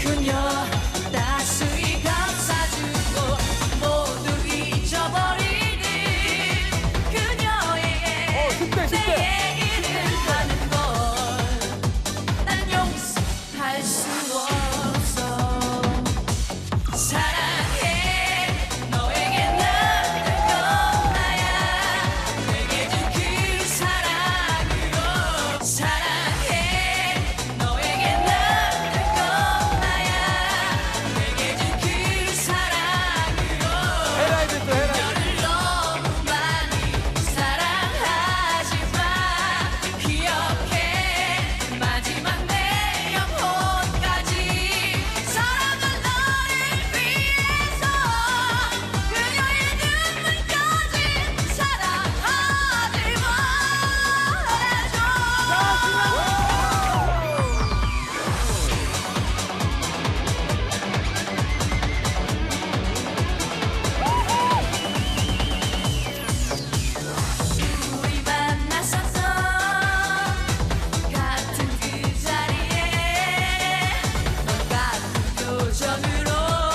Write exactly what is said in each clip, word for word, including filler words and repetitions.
그녀 따스히 감싸주고 모두 잊어버리는 그녀에게 어, 십대, 내 십대. 얘기를 하는 걸 난 용서할 수 없어. 사랑해 너에게 남는 건 나야 내게 준 그 사랑으로. 사랑해 너에게 남는 건 나야 내게 준 그 사랑으로. 헤라이드 또 헤라이드. 너를 너무 많이 사랑하지만 기억해 마지막 내 영혼까지 사랑한 너를 위해서 그녀의 눈물까지 사랑하지 말아줘. 우리 만났었던 같은 그 자리에 넌 같은 표정으로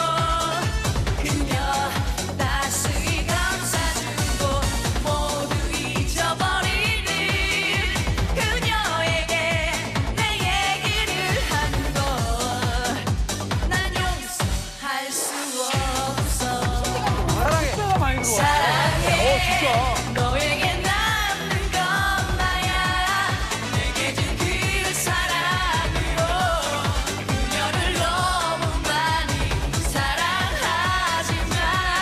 그녀 따스히 감싸주고 모두 잊어버리는 그녀에게 내 얘기를 하는 걸 난 용서할 수 없어. 사랑해. 십대가 많이 들어와. 사랑해 어, 진짜. 너에게 남는 건 나야 내게 준 그 사랑으로. 그녀를 너무 많이 사랑하지만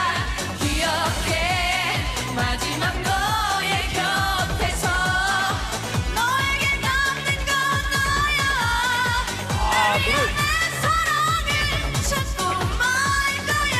기억해 마지막 너의 곁에서 너에게 남는 건 나야 늘 위한 내 사랑을 찾고 말 거야.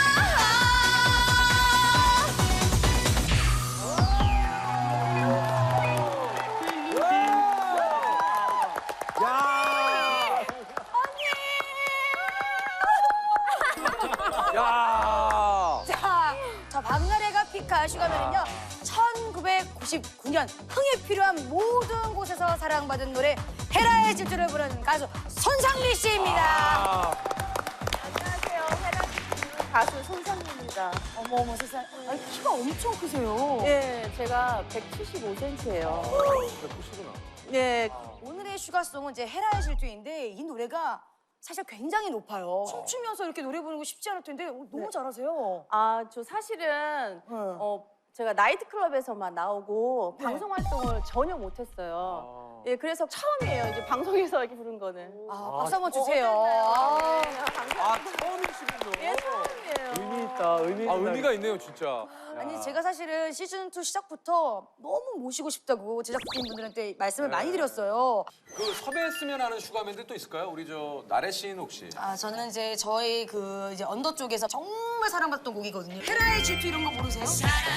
야. 야. 자, 저 박나래가 피카 슈가맨은요 천구백구십구 년 흥이 필요한 모든 곳에서 사랑받은 노래 헤라의 질주를 부르는 가수 손상미 씨입니다. 아. 안녕하세요. 헤라 가수 손상미입니다. 어머 어머 세상, 아니, 키가 엄청 크세요. 예, 제가 백칠십오 센티미터예요. 백구십구나. 예, 오늘의 슈가송은 이제 헤라의 질주인데 이 노래가 사실 굉장히 높아요. 춤추면서 이렇게 노래 부르는 거 쉽지 않을 텐데 어, 너무 잘하세요. 아, 저 사실은 응. 어, 제가 나이트클럽에서만 나오고 네. 방송 활동을 전혀 못했어요. 예, 그래서 처음이에요. 이제 방송에서 이렇게 부른 거는. 아, 박수 한번 주세요. 아, 아. 아, 처음이시군요. 예, 처음이에요. 의미 있다. 의미 아, 의미가 있네요, 진짜. 아니 제가 사실은 시즌 투 시작부터 너무 모시고 싶다고 제작진분들한테 말씀을 많이 드렸어요. 그 섭외했으면 하는 슈가맨들 또 있을까요? 우리 저 나래 씨는 혹시? 아 저는 이제 저희 그 이제 언더 쪽에서 정말 사랑받던 곡이거든요. 헤라의 질투 이런 거 모르세요?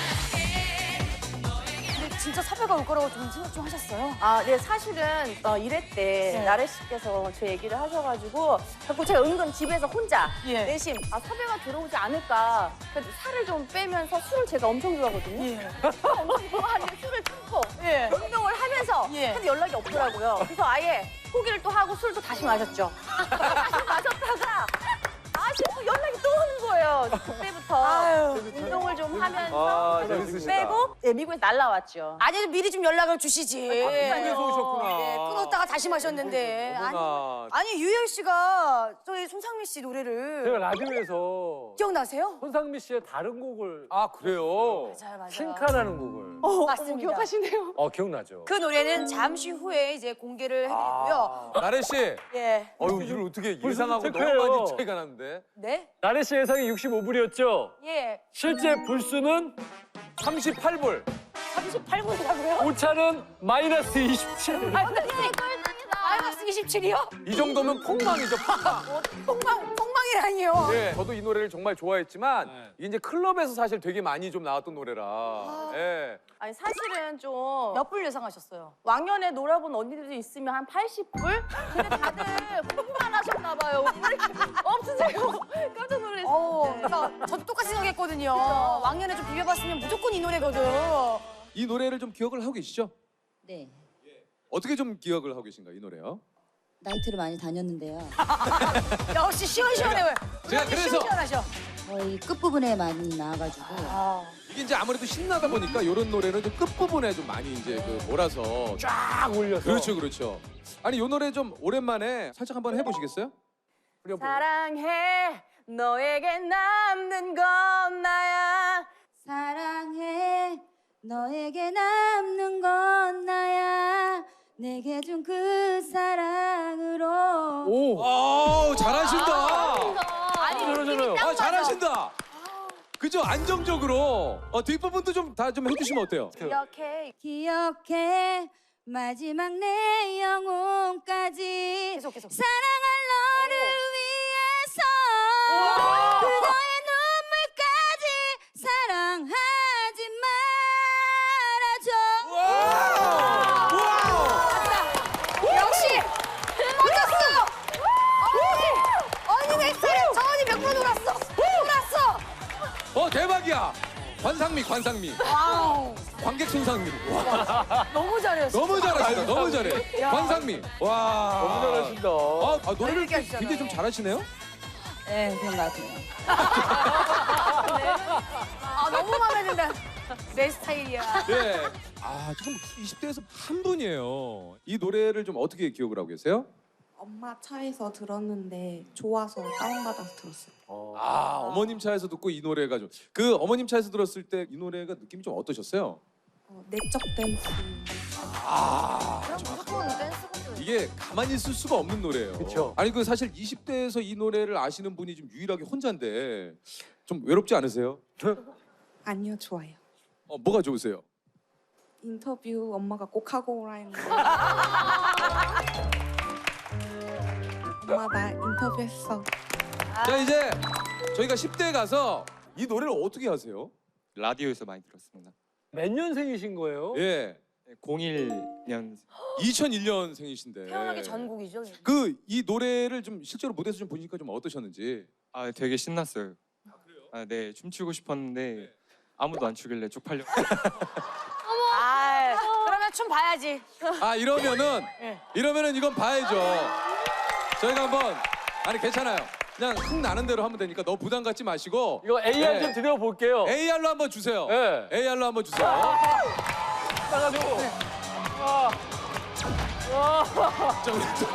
근데 진짜 섭외가 올 거라고 좀 생각 좀 하셨어요? 아, 네, 사실은 어, 일회 때 네. 나래 씨께서 제 얘기를 하셔가지고 자꾸 제가 은근 집에서 혼자 예. 내심 아, 섭외가 들어오지 않을까. 그래서 살을 좀 빼면서 술을 제가 엄청 좋아하거든요. 예. 엄청 좋아하는데 술을 참고 예. 운동을 하면서 예. 근데 연락이 없더라고요. 그래서 아예 포기를 또 하고 술도 다시 마셨죠. 다시 마셨다가 다시 또 연락이 또 오는 거예요. 그때부터 아유. 운동을 좀 하면서 아, 재밌으시다. 빼고 네, 미국에서 날라왔죠. 아니 미리 좀 연락을 주시지. 미국에서 오셨구나. 예, 끊었다가 다시 마셨는데. 아니, 어머나. 아니 유열 씨가 저희 손상미 씨 노래를 제가 라디오에서 기억나세요? 손상미 씨의 다른 곡을 아, 그래요? 맞아요, 맞아요. 킹카라는 곡을 어, 맞습니다. 어머, 기억하시네요. 어 기억나죠? 그 노래는 잠시 후에 이제 공개를 해드리고요. 아, 나래 씨. 예. 어유 이걸 어떻게 벌써 예상하고 체크해요. 너무 많이 차이가 나는데. 네? 나래 씨 예상이 육십오 불이었죠? 예. 실제 불수는 삼십팔 불. 삼십팔 분이라고요? 오차는 마이너스 이십칠. 마이너스 이십칠이요? 이 정도면 폭망이죠, 폭망. 폭망, 폭망이라니요. 예, 저도 이 노래를 정말 좋아했지만 네. 이게 이제 클럽에서 사실 되게 많이 좀 나왔던 노래라. 예. 아니 사실은 좀 몇 불 예상하셨어요? 왕년에 놀아본 언니들도 있으면 한 팔십 불? 근데 다들 공부만 하셨나 봐요. 왜 이렇게 없으세요? 깜짝 놀랐어요. 어, 그러니까 저도 똑같이 생각했거든요. 왕년에 좀 비벼봤으면 무조건 이 노래거든. 이 노래를 좀 기억을 하고 계시죠? 네. 어떻게 좀 기억을 하고 계신가요, 이 노래요? 나이트를 많이 다녔는데요. 역시 시원시원해. 제가 그래서- 시원시원하셔. 거의 끝부분에 많이 나와가지고 이게 이제 아무래도 신나다 보니까 이런 노래는 좀 끝부분에 좀 많이 이제 그 몰아서 쫙 올려서. 그렇죠, 그렇죠. 아니 이 노래 좀 오랜만에 살짝 한번 해보시겠어요? 사랑해 너에게 남는 건 나야. 사랑해 너에게 남는 건 나야 내게 준 그 사랑으로 오. 오, 잘하신다. 아니 저러잖아요. 느낌이 딱 아, 맞아. 잘하신다. 그죠? 안정적으로. 어, 뒷부분도 좀 다 좀 해주시면 어때요? 이렇게 기억해 마지막 내 영혼까지 계속 계속. 사랑할 너를 위해서 그녀의 눈물까지 사랑하지 말아줘 와우! 역시 맞았어. 언니 언니 내 스타일. 저 언니 몇 번 놀았어. 놀았어. 어, 대박이야. 관상미, 관상미. 와우. 관객 손상미. 와, 너무 잘했어. 너무 잘하신다. 너무 잘해. 관상미. 와. 너무 잘하신다. 아, 아, 노래를 재밌게 하시잖아요. 굉장히 좀 잘하시네요? 네 그런 것 같아요 아 너무 마음에 든다. 내 스타일이야. 예. 아, 지금 이십 대에서 한 분이에요. 이 노래를 좀 어떻게 기억을 하고 계세요? 엄마 차에서 들었는데 좋아서 다운받아서 들었어요. 아, 어머님 차에서 듣고 이 노래가 좀. 그 어머님 차에서 들었을 때 이 노래가 느낌이 좀 어떠셨어요? 어, 내적 댄스. 아, 그럼 무조건 댄스거든. 이게 가만히 있을 수가 없는 노래예요. 그쵸. 아니 그 사실 이십 대에서 이 노래를 아시는 분이 좀 유일하게 혼자인데 좀 외롭지 않으세요? 아니요, 좋아요. 어, 뭐가 좋으세요? 인터뷰 엄마가 꼭 하고 오라 했는데. 엄마 나 인터뷰했어. 자, 이제 저희가 십 대에 가서 이 노래를 어떻게 하세요? 라디오에서 많이 들었습니다. 몇 년생이신 거예요? 예. 공일 년 이천일 년생이신데. 태어나기 전곡이죠. 그 이 노래를 좀 실제로 무대에서 좀 보니까 좀 어떠셨는지. 아 되게 신났어요. 아, 네 춤추고 싶었는데 아무도 안 추길래 쪽팔려. 아 그러면 춤 봐야지. 아, 이러면은 예. 이러면은 이건 봐야죠. 저희가 한번 아니 괜찮아요. 그냥 흥 나는 대로 하면 되니까 너무 부담 갖지 마시고 이거 에이알 네. 좀 드려볼게요. 에이알로 한번 주세요. 네. 에이알로 한번 주세요. 따가지고. 와. 와. 자, 우리 또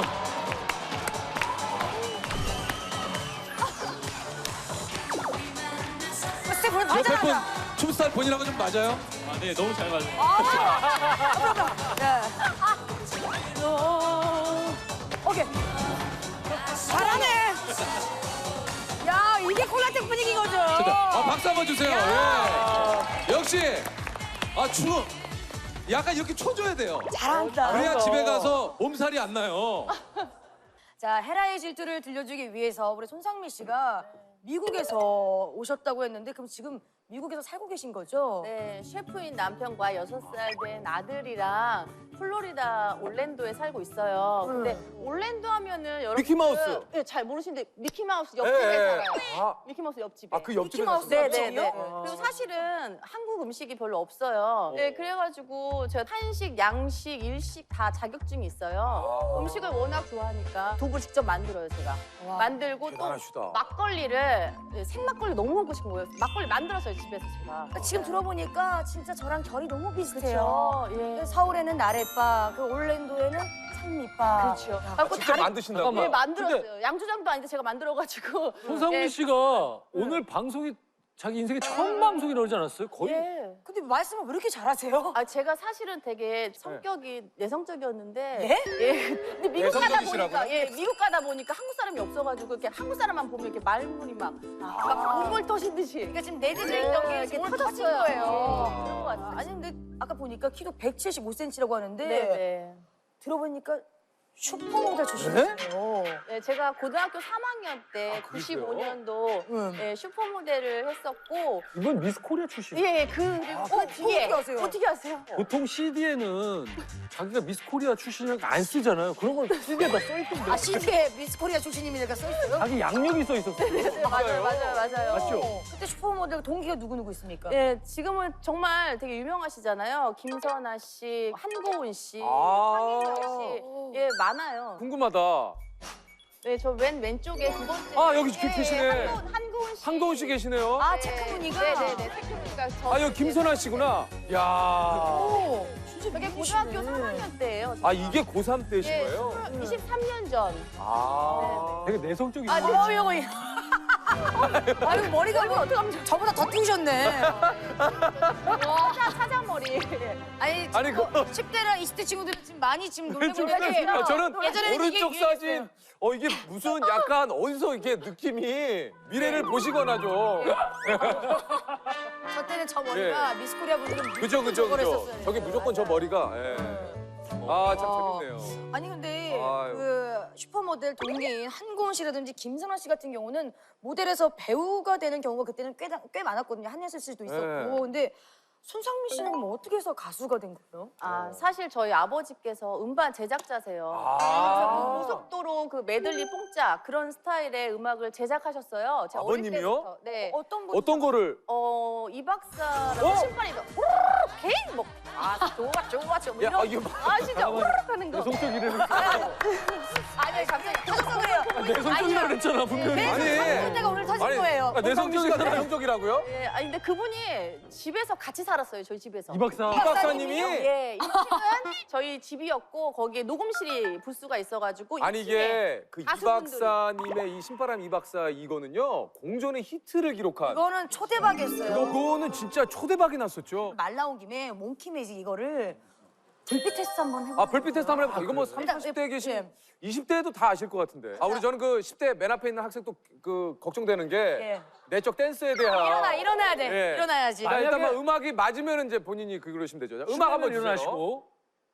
스텝 보면 옆에 분 맞아. 춤스타일 본인하고 좀 맞아요? 아, 네 너무 잘 맞아요. 오케이. 잘하네. 야 이게 콜라텍 분위기인 거죠. 아, 박수 한번 주세요. 예. 역시 아, 추 약간 이렇게 쳐줘야 돼요. 잘한다. 그래야 집에 가서 몸살이 안 나요. 자 헤라의 질투를 들려주기 위해서 우리 손상미 씨가 미국에서 오셨다고 했는데 그럼 지금 미국에서 살고 계신 거죠? 네, 셰프인 남편과 여섯 살 된 아들이랑 플로리다 올랜도에 살고 있어요. 근데 올랜도 하면은 여러분 미키마우스. 네, 잘 모르시는데 미키마우스 옆집에 예, 예. 살아요. 아, 미키마우스 옆집에. 아, 그 옆집에 미키마우스 사시나요? 네, 네, 네. 옆집이요? 그리고 사실은 한국 음식이 별로 없어요. 네, 그래가지고 제가 한식, 양식, 일식 다 자격증이 있어요. 음식을 워낙 좋아하니까 두부 직접 만들어요, 제가. 와. 만들고 대단하시다. 또 막걸리를 네, 생막걸리 너무 먹고 싶은 거예요. 막걸리 만들었어요, 집에서 제가. 지금 들어보니까 진짜 저랑 결이 너무 비슷해요. 그렇죠. 예. 서울에는 나래바, 그 올랜도에는 산미바. 그렇죠. 그래갖고 직접 만드신다고? 네, 잠깐만. 만들었어요. 양조장도 아닌데 제가 만들어가지고. 손상미 예. 씨가 오늘 방송이 자기 인생의 처음 방송이 나오지 않았어요? 거의. 예. 근데 말씀을 왜 이렇게 잘하세요? 아 제가 사실은 되게 성격이 내성적이었는데 네? 예. 근데 미국 가다 내성적이시라고요? 보니까 예 미국 가다 보니까 한국 사람이 없어가지고 이렇게 한국 사람만 보면 이렇게 말문이 막 막 물물 터지듯이 그러니까 지금 내재적인 네, 경기에 이렇게 이렇게 터졌어요. 터진 거예요. 예, 그런 것 같아요. 아니 근데 아까 보니까 키도 백칠십오 센티미터라고 하는데 네네. 들어보니까 슈퍼모델 출신이에요. 네, 제가 고등학교 삼 학년 때 구십오 년도 응. 예, 슈퍼모델을 했었고 이건 미스 코리아 출신. 예, 예, 그, 그리고 그 어, 뒤에 어떻게 아세요? 어떻게 아세요? 보통 씨디에는 자기가 미스 코리아 출신이라고 안 쓰잖아요. 그런 걸 씨디에다 써있던데. 아 씨디에 미스 코리아 출신입니다. 써 있어요? 자기 양력이 써 있었어요. 네, 맞아요, 맞아요, 맞아요. 맞죠? 그때 슈퍼모델 동기가 누구 누구 있습니까? 예, 지금은 정말 되게 유명하시잖아요. 김선아 씨, 한고은 씨, 아. 황인경 씨, 예, 많아요. 궁금하다. 네, 저 맨 왼쪽에 두 번째. 아, 여기 예, 계시네. 한고은, 한고은 씨. 한동훈 씨 계시네요. 아, 체크무늬가? 네네네, 체크무늬가. 저 아, 여기 김선아 씨구나. 야. 오, 저게 고등학교 삼 학년 때예요. 아, 이게 고삼 때신 예, 거예요? 이십삼 년 전. 아. 되게 내성적이시 아, 어, 이거, 이거. 아유, 머리가 뭐, 어떡하면 저보다 더 띄우셨네. 사자, 사자머리. 아니, 아니, 뭐, 그거- 십 대랑 이십 대 친구들은 지금 많이 지금 놀래고 왼쪽 사진. 있는데 아, 저는 예전에는 이게 오른쪽 유행했어요. 사진. 어, 이게 무슨 약간 어디서 이게 느낌이 미래를 보시거나 좀. 저 때는 저 머리가 미스코리아 분들은 예. 그죠, 그죠, 저걸 그죠. 했었어요. 저기 무조건 저 머리가. 예. 아, 참 어. 재밌네요. 아니 근데 아유. 그 슈퍼모델 동기인 한고은 씨라든지 김선아 씨 같은 경우는 모델에서 배우가 되는 경우가 그때는 꽤, 꽤 많았거든요. 한예슬 씨도 있었고. 네. 근데 손상민 씨는 그럼 어떻게 해서 가수가 된 거예요? 아, 사실 저희 아버지께서 음반 제작자세요. 아. 그래서 그 고속도로 그 메들리 뽕짝 그런 스타일의 음악을 제작하셨어요. 제가 어릴 아버님이요? 때부터. 네. 어떤 분? 어떤 거를 어, 이 박사라고 어? 신발이 막 개인 뭐 아, 좋아, 좋아, 좋아. 뭐 야, 이런 아, 이거 봐. 아시죠? 우르륵 하는 거. 내성적이라는 아니 갑자기 터졌어 그래요. 내성적이라고 그랬잖아 분명히. 내 아니. 터진 데가 오늘 터진 아니, 거예요. 아, 내성민 씨가 내성적이라고요? 예, 아니 근데 그분이 집에서 같이 살았어요. 저희 집에서. 이 박사. 이 박사님이? 예, 이 집은 저희 집이었고 거기에 녹음실이 부스가 있어가지고 아니 이 층에 이게 그 이 가수분들이. 박사님의 이 신바람 이 박사 이거는요 공존의 히트를 기록한. 이거는 초대박이었어요. 그거는 진짜 초대박이 났었죠. 말 나온 김에 몽키 매직 이거를 불빛 테스트 한번 해볼까요? 아 별빛 테스트 한번 해볼까? 이거 뭐 일단, 삼십 대에 계신 예. 이십 대에도 다 아실 것 같은데. 아 우리 저는 그 십 대 맨 앞에 있는 학생 또 그 걱정되는 게 예. 내적 댄스에 대한. 일어나 일어나야 돼. 예. 일어나야지. 자, 일단 뭐 만약에- 음악이 맞으면 이제 본인이 그 그러시면 되죠. 자, 음악 한번 주세요. 일어나시고.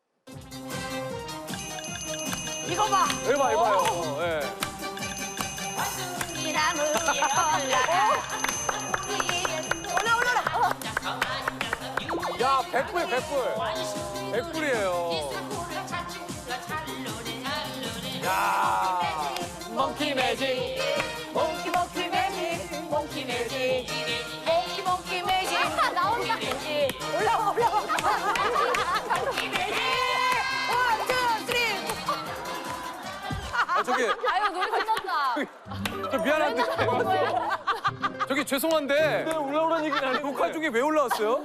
이거 봐. 해봐 해봐요. 예. 올라 올라라. 야 백불 백불. 백불이에요. 야. 몽키 매직. 몽키 몽키 매직. 몽키 매직. 몽키 몽키 매직. 아, 나온다. 올라와 올라와. 몽키 매직. 원, 투, 쓰리. 아, 저기 아유 노래 끝났다. 저 미안한데. 저기 죄송한데 네, 올라오라는 얘기는 아니고. 녹화 중에 왜 올라왔어요?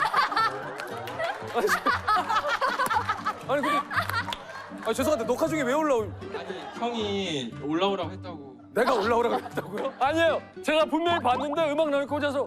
아니, 저- 아니 근데 아 죄송한데 녹화 중에 왜 올라올? 아니 형이 올라오라고 했다고. 내가 올라오라고 했다고요? 아니에요. 제가 분명히 봤는데 음악 나올 꽂아서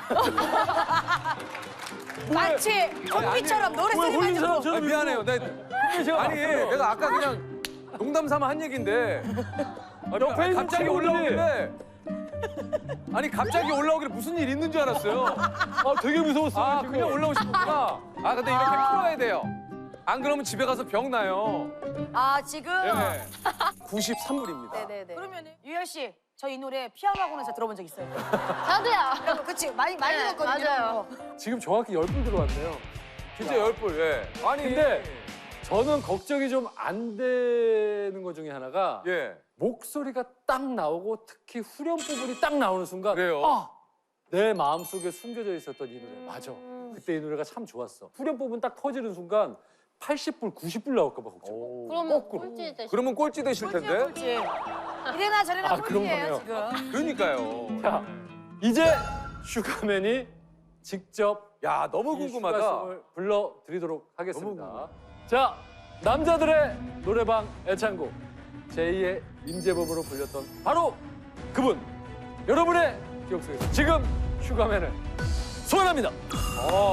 마치 컴퓨처럼 노래 왜 쓰는 홀린 거. 사람처럼 아니, 미안해요. 내, 분명히 제가 아니 봤어요. 내가 아까 그냥 농담 삼아 한 얘긴데 아니, 너 페이스북 갑자기 친구들이- 올라오길래 아니 갑자기 올라오길래 무슨 일 있는 줄 알았어요. 아 되게 무서웠어요. 아 지금. 그냥 올라오시구나. 아 근데 이렇게 풀어야 돼요. 안 그러면 집에 가서 병 나요. 아 지금 네. 구십삼 불입니다. 네네네. 그러면 유열 씨, 저 이 노래 피아노 학원에서 들어본 적 있어요. 저도요. 그치 많이 많이 네, 들었거든요. 맞아요. 지금 정확히 열 분 들어왔네요. 진짜 열 불. 예. 아니 근데 저는 걱정이 좀 안 되는 것 중에 하나가 예. 목소리가 딱 나오고 특히 후렴 부분이 딱 나오는 순간 그래요? 아! 내 마음속에 숨겨져 있었던 이 노래 맞아. 그때 이 노래가 참 좋았어. 후렴 부분 딱 터지는 순간 팔십 불, 구십 불 나올까 봐 걱정. 그러면 거꾸로. 꼴찌 되시. 그러면 꼴찌 되실 텐데. 꼴찌. 이래나 저래나 아, 그런 꼴찌예요 거네요. 지금. 그러니까요. 자, 이제 슈가맨이 직접 야 너무 이 궁금하다. 슈가송을 불러드리도록 하겠습니다. 너무 자, 남자들의 노래방 애창곡 제이의 임재범으로 불렸던 바로 그분. 여러분의 기억 속에서 지금 슈가맨을 소환합니다. 어.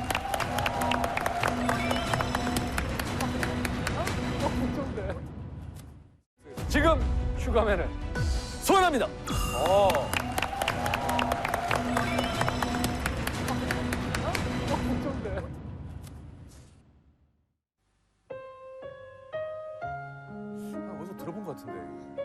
지금 슈가맨을 소환합니다. 어. 아, 어디서 들어본 것 같은데.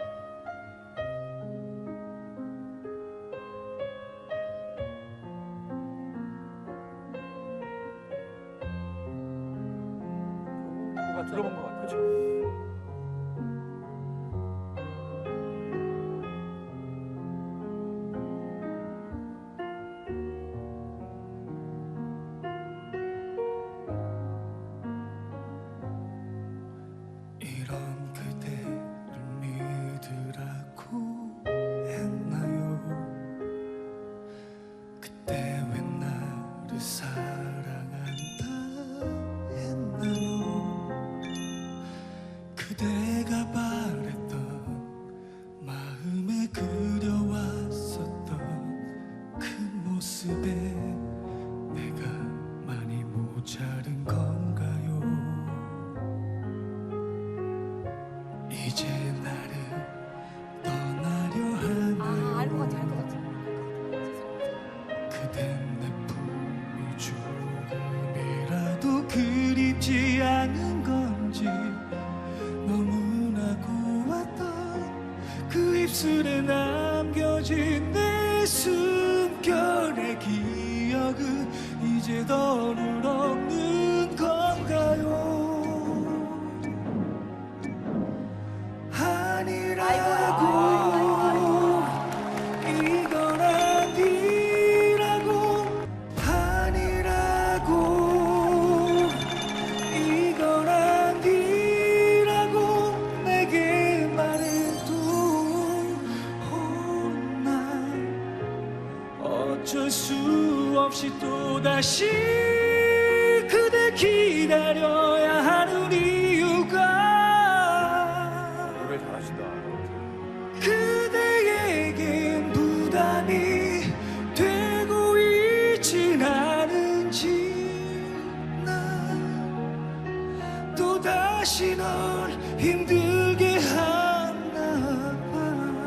들어본 것 같아요. 입술에 남겨진 내 숨결의 기억은 이제 더는 없는 건가요? 아니라고 이건 아니라고 아니라고 이건 아니라고 내게 말해도 난 어쩔 수 없이 또다시 그댈 기다려야 하는 이유가 노래 잘하시다. 그대에겐 부담이 되고 있진 않은지 난 또다시 널 힘들게 하나 봐.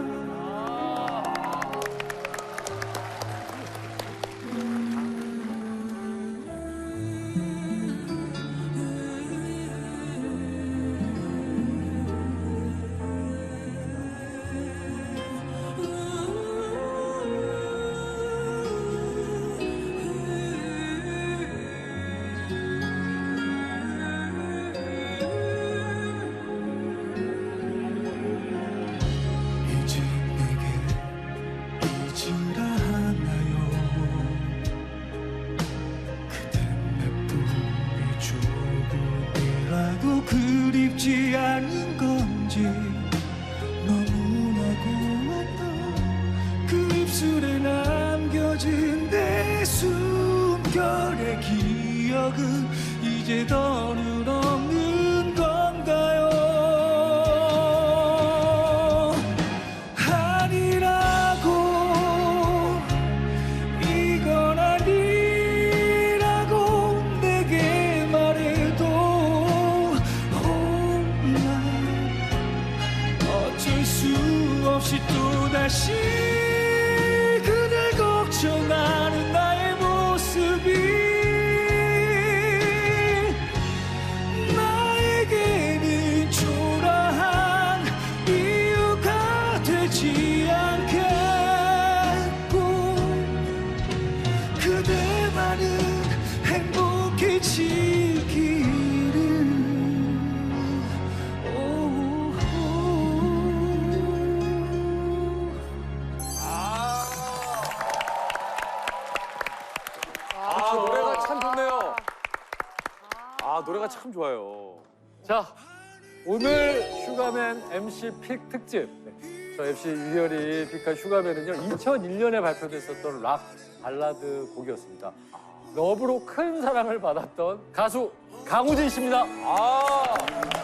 이제 내게 잊으라 하나요? 그댄 나쁘게 조금이라도 그립지 않은 건지 너무나 고왔던 그 입술에 남겨진 내 숨결의 기억은 이제 더는 없는 건가요? 아니라고 이건 아니라고 내게 말해도 난 어쩔 수 없이 또다시 그댈 걱정하는 나의 모습이 나에게는 초라한 이유가 되지 않겠고 그대만은 행복해지기를. 오호. 아, 노래가 참 좋네요. 아, 노래가 참 좋아요. 자, 오늘 슈가맨 엠씨 픽 특집. 네. 저 엠씨 유열이 픽한 슈가맨은요, 이천일 년에 발표됐었던 락 발라드 곡이었습니다. 러브로 큰 사랑을 받았던 가수 강우진 씨입니다. 아,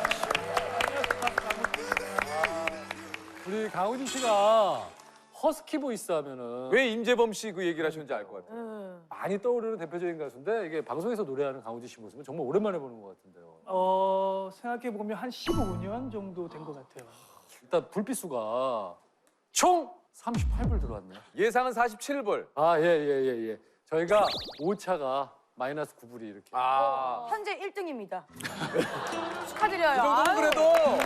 우리 강우진 씨가 허스키 보이스 하면은 왜 임재범 씨 그 얘기를 하셨는지 알 것 같아요. 많이 떠오르는 대표적인 가수인데 이게 방송에서 노래하는 강우진 씨 모습은 정말 오랜만에 보는 것 같은데요. 어, 생각해 보면 한 십오 년 정도 된 것 같아요. 일단 불빛수가 총 삼십팔 불 들어왔네요. 예상은 사십칠 불. 아, 예, 예, 예, 예. 저희가 오차가 마이너스 구 불이 이렇게. 아, 현재 일 등입니다. 축하드려요. 이 정도면 아유. 그래도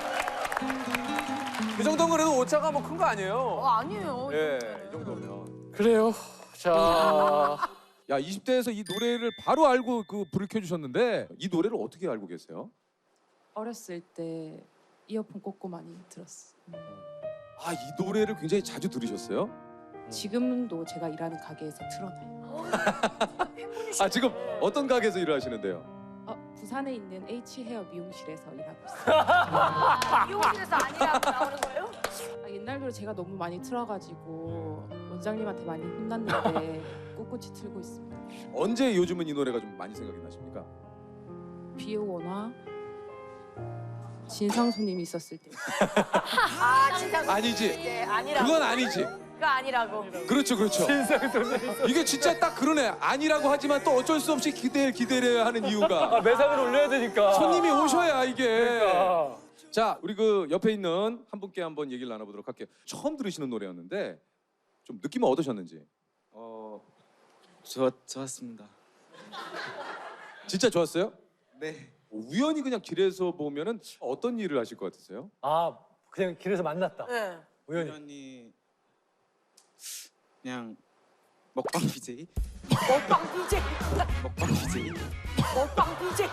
이 정도면 그래도 오차가 뭐 큰 거 아니에요. 어, 아니에요. 예, 이 정도면. 그래요. 자, 야, 이십 대에서 이 노래를 바로 알고 그 불을 켜주셨는데 이 노래를 어떻게 알고 계세요? 어렸을 때 이어폰 꽂고 많이 들었어. 아, 이 노래를 굉장히 자주 들으셨어요? 지금도 제가 일하는 가게에서 틀어놔요. 아, 지금 어떤 가게에서 일을 하시는데요? 어, 부산에 있는 H 헤어 미용실에서 일하고 있어요. 아, 미용실에서 아니라고 나오는 거예요? 아, 옛날 노래 제가 너무 많이 틀어가지고 원장님한테 많이 혼났는데 꿋꿋이 틀고 있습니다. 언제 요즘은 이 노래가 좀 많이 생각이 나십니까? 비 오거나 진상 손님이 있었을 때. 아, 진짜. 아니지. 네, 아니라고. 그건 아니지. 그거 아니라고. 그렇죠, 그렇죠. 이게 진짜 딱 그러네. 아니라고 하지만 또 어쩔 수 없이 기대 기대려야 하는 이유가 아, 매상을 올려야 되니까. 손님이 오셔야 이게. 그러니까. 자, 우리 그 옆에 있는 한 분께 한번 얘기를 나눠보도록 할게요. 처음 들으시는 노래였는데 좀 느낌은 어떠셨는지? 어, 좋았 좋았습니다. 진짜 좋았어요? 네. 우연히 그냥 길에서 보면은 어떤 일을 하실 것 같으세요? 아, 그냥 길에서 만났다. 네. 우연히. 우연히 그냥 먹방 비제이 먹방 비제이. 먹방 비제이 먹방 비제이.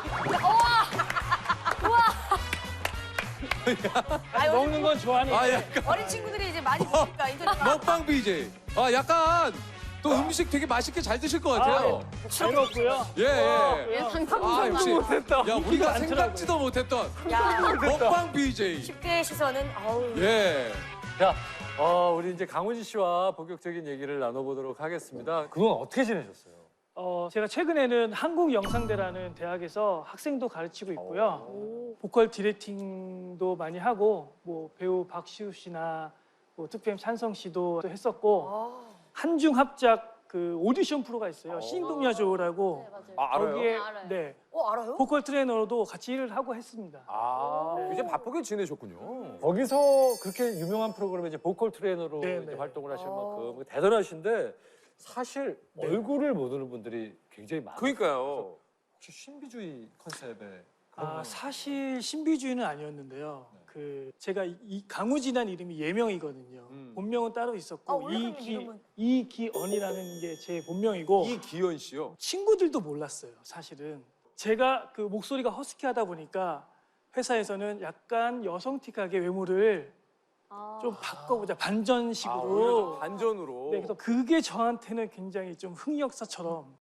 아니, 먹는 건 좋아하니까. 아 약간 어린 친구들이 이제 많이 보니까 인터넷. 먹방 비제이. 아 약간 또 음식 되게 맛있게 잘 드실 것 같아요. 잘 먹고요. 예 예. 예, 아 상상도 역시. 못했다. 야 우리가 생각지도 못했던 야, 먹방 비제이. 십 대의 시선은 아우. 예. 자, 어, 우리 이제 강훈지 씨와 본격적인 얘기를 나눠보도록 하겠습니다. 그동안 어떻게 지내셨어요? 어, 제가 최근에는 한국영상대라는 대학에서 학생도 가르치고 있고요. 보컬 디렉팅도 많이 하고 뭐 배우 박시우 씨나 뭐 투피엠 찬성 씨도 했었고 한중 합작 그 오디션 프로가 있어요. 신동야조라고 아, 알아요? 거기에 아, 알아요. 네 어, 알아요? 보컬 트레이너로도 같이 일을 하고 했습니다. 아, 이제 바쁘게 지내셨군요. 거기서 그렇게 유명한 프로그램에 이제 보컬 트레이너로 네, 이제 네. 활동을 하실 아. 만큼 대단하신데 사실 얼굴을 모르는 분들이 굉장히 많아요. 그러니까요. 혹시 신비주의 컨셉의 그런 아, 거- 사실 신비주의는 아니었는데요. 그 제가 이- 이 강우진한 이름이 예명이거든요. 음. 본명은 따로 있었고 아, 원래 그럼 이기 이름은? 이기언이라는 게 제 본명이고 이기현 씨요. 친구들도 몰랐어요. 사실은 제가 그 목소리가 허스키하다 보니까 회사에서는 약간 여성틱하게 외모를 좀 바꿔보자 아, 반전식으로. 오히려 좀 반전으로. 네, 그래서 그게 저한테는 굉장히 좀 흑역사처럼